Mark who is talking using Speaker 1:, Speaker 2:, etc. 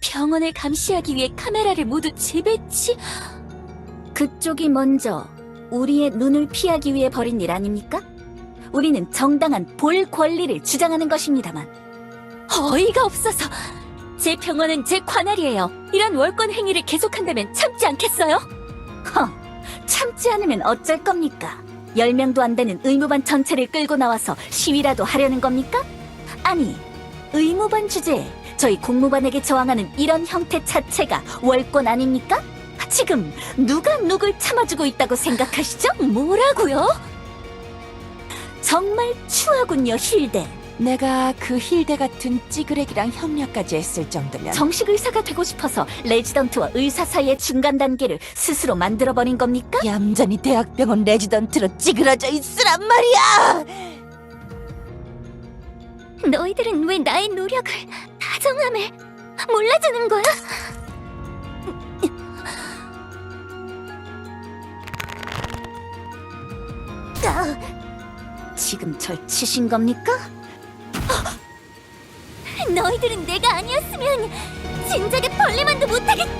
Speaker 1: 병원을 감시하기 위해 카메라를 모두 재배치?
Speaker 2: 그쪽이 먼저 우리의 눈을 피하기 위해 벌인 일 아닙니까? 우리는 정당한 볼 권리를 주장하는 것입니다만.
Speaker 1: 어이가 없어서. 제 병원은 제 관할이에요. 이런 월권 행위를 계속한다면 참지 않겠어요?
Speaker 2: 참지 않으면 어쩔 겁니까? 10명도 안 되는 의무반 전체를 끌고 나와서 시위라도 하려는 겁니까? 아니, 의무반 주제에 저희 공무반에게 저항하는 이런 형태 자체가 월권 아닙니까? 지금 누가 누굴 참아주고 있다고 생각하시죠?
Speaker 1: 뭐라고요?
Speaker 2: 정말 추하군요, 힐대.
Speaker 3: 내가 그 힐대 같은 찌그레기랑 협력까지 했을 정도면
Speaker 2: 정식 의사가 되고 싶어서 레지던트와 의사 사이의 중간 단계를 스스로 만들어버린 겁니까?
Speaker 3: 얌전히 대학병원 레지던트로 찌그러져 있으란 말이야!
Speaker 1: 너희들은 왜 나의 노력을, 다정함을 몰라주는 거야?
Speaker 2: 지금 절 치신 겁니까?
Speaker 1: 너희들은 내가 아니었으면 진작에 벌레만도 못하겠다!